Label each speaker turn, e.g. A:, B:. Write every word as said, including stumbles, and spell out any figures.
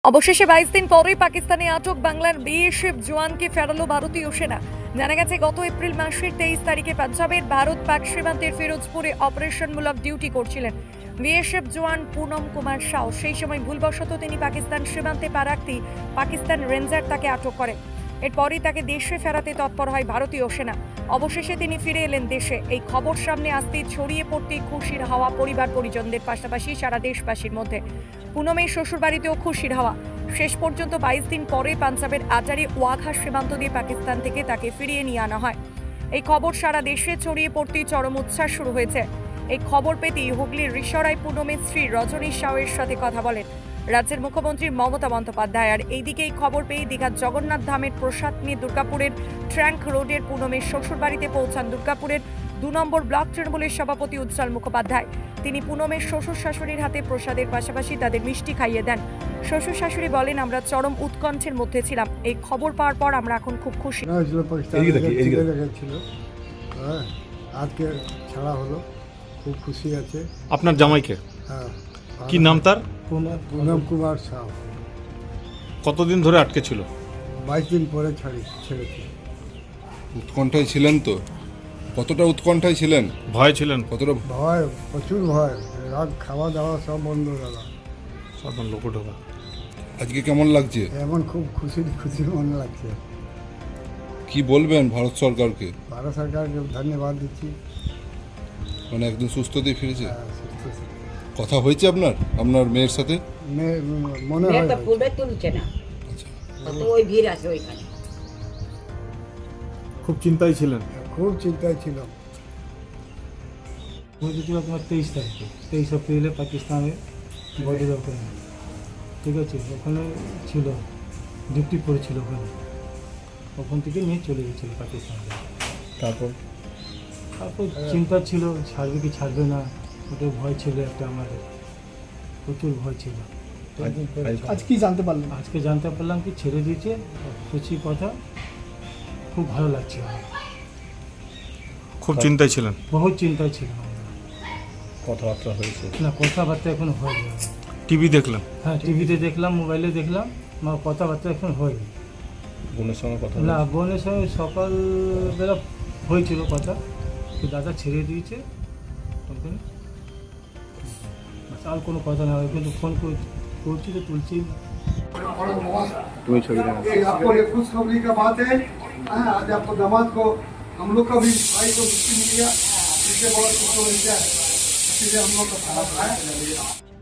A: অবশেষে বাইশ দিন পরেই পাকিস্তানে আটক বাংলার বিএসএফ জওয়ানকে ফেরালো ভারতীয় সেনা। জানা গেছে গত এপ্রিল মাসের তেইশ তারিখে পাঞ্জাবের ভারত পাক সীমান্তের ফিরোজপুরে অপারেশনমূলক ডিউটি করছিলেন বিএসএফ জওয়ান পুনম কুমার সাউ। সেই সময় ভুলবশত তিনি পাকিস্তান সীমান্তে পা রাখতেই পাকিস্তান রেঞ্জার তাকে আটক করে। এরপরই তাকে দেশে ফেরাতে তৎপর হয় ভারতীয় সেনা। অবশেষে তিনি ফিরে এলেন দেশে। এই খবর সামনে আসতেই ছড়িয়ে পড়তেই খুশির হাওয়া পরিবার পরিজনদের পাশাপাশি সারা দেশবাসীর মধ্যে। পুনমের শ্বশুরবাড়িতেও খুশির হাওয়া। শেষ পর্যন্ত বাইশ দিন পরে পাঞ্জাবের আটারি ওয়াঘা সীমান্ত দিয়ে পাকিস্তান থেকে তাকে ফিরিয়ে নিয়ে আনা হয়। এই খবর সারা দেশে ছড়িয়ে পড়তেই চরম উচ্ছ্বাস শুরু হয়েছে। এই খবর পেতেই হুগলির রিসরায় পুনমের স্ত্রী রজনী সাউয়ের সাথে কথা বলেন রাজ্যের মুখ্যমন্ত্রী মমতা বন্দ্যোপাধ্যায়। আর এইদিকে এই খবর পেয়ে দীঘার জগন্নাথ ধামের প্রসাদ নিয়ে দুর্গাপুরের ট্র্যাঙ্ক রোডের পুনমের শ্বশুরবাড়িতে পৌঁছান দুর্গাপুরের দু নম্বর ব্লক তৃণমূলের সভাপতি উজ্জ্বল মুখোপাধ্যায়। তিনি পুনমের শ্বশুর শাশুড়ির হাতে প্রসাদের পাশাপাশি তাদের মিষ্টি খাইয়ে দেন। শ্বশুর শাশুড়ি বলেন, আমরা চরম উৎকণ্ঠের মধ্যে ছিলাম। এই খবর পাওয়ার পর আমরা এখন খুব খুশি।
B: আজকে ছাড়া হলো, খুব খুশি আছে।
C: আপনার জামাইকে
B: হ্যাঁ,
C: কি নাম তার?
B: পুনম কুমার সাউ।
C: কতদিন ধরে আটকে ছিল?
B: বাইশ দিন পরে ছাড়ি ছেড়েছি।
D: উৎকণ্ঠায় ছিলেন তো? কতটা উৎকণ্ঠায় ছিলেন?
C: ভয় ছিলেন?
D: কতটা
B: ভয়, প্রচুর ভয়। রাত খাওয়া দাওয়া সব বন্ধ দাদা।
C: সাধারণ লোক ঢোকা।
D: আজকে কেমন লাগছে?
B: এমন খুব খুশি খুশি মনে লাগছে।
D: কি বলবেন ভারত সরকারকে?
B: ভারত সরকারকে ধন্যবাদ দিচ্ছি।
D: মানে একদম সুস্থ দিয়ে ফিরেছে।
B: হ্যাঁ, সুস্থ আছে।
D: কথা হয়েছে আপনার আপনার মেয়ের সাথে?
B: মেয়ে মনে হয়
E: মেয়েটা ফুলবে তুলছে না,
D: আচ্ছা,
E: কত ওই ভিড় আছে ওইখানে।
C: খুব চিন্তায় ছিলেন?
B: খুব চিন্তায় ছিল।
F: পৌঁছেছিল তোমার তেইশ তারিখে, তেইশ এপ্রিলে পাকিস্তানে বর্ডার ওখানে, ঠিক আছে। ওখানে ছিল, ডিউটি করেছিল ওখানে। ওখান থেকে নিয়ে চলে গেছিল পাকিস্তানে।
C: তারপর
F: তারপর চিন্তা ছিল, ছাড়বে কি ছাড়বে না, ওটা ভয় ছিল একটা আমাদের, প্রচুর ভয় ছিল।
G: আজ কি জানতে পারলেন?
F: আজকে জানতে পারলাম কি ছেড়ে দিয়েছে, খুশি কথা, খুব ভালো লাগছে আমার।
C: খুব চিন্তায় ছিলেন?
F: বহুত চিন্তায় ছিলাম আমরা।
C: কথাবার্তা হয়েছে
F: না, কথাবার্তা এখন হয়নি।
C: টিভি দেখলেন?
F: হ্যাঁ, টিভিতে দেখলাম, মোবাইলে দেখলাম, আমার কথাবার্তা এখন হয়নি।
C: বোনের সঙ্গে কথা
F: না, বোনের সঙ্গে সকালবেলা হয়েছিল কথা, তো দাদা ছেড়ে দিয়েছে ওখানে, আর কোনো কথা না হয়। কিন্তু ফোন করছি তো তুলছি না।
C: তুমি ছবি
B: आपको ये खुशखबरी का बात है। हाँ, आज आपको दामाद को, हम लोग का भी भाई को मुक्ति मिल गया। इससे बहुत खुशखबरी क्या है, इसलिए हम लोग का साथ है।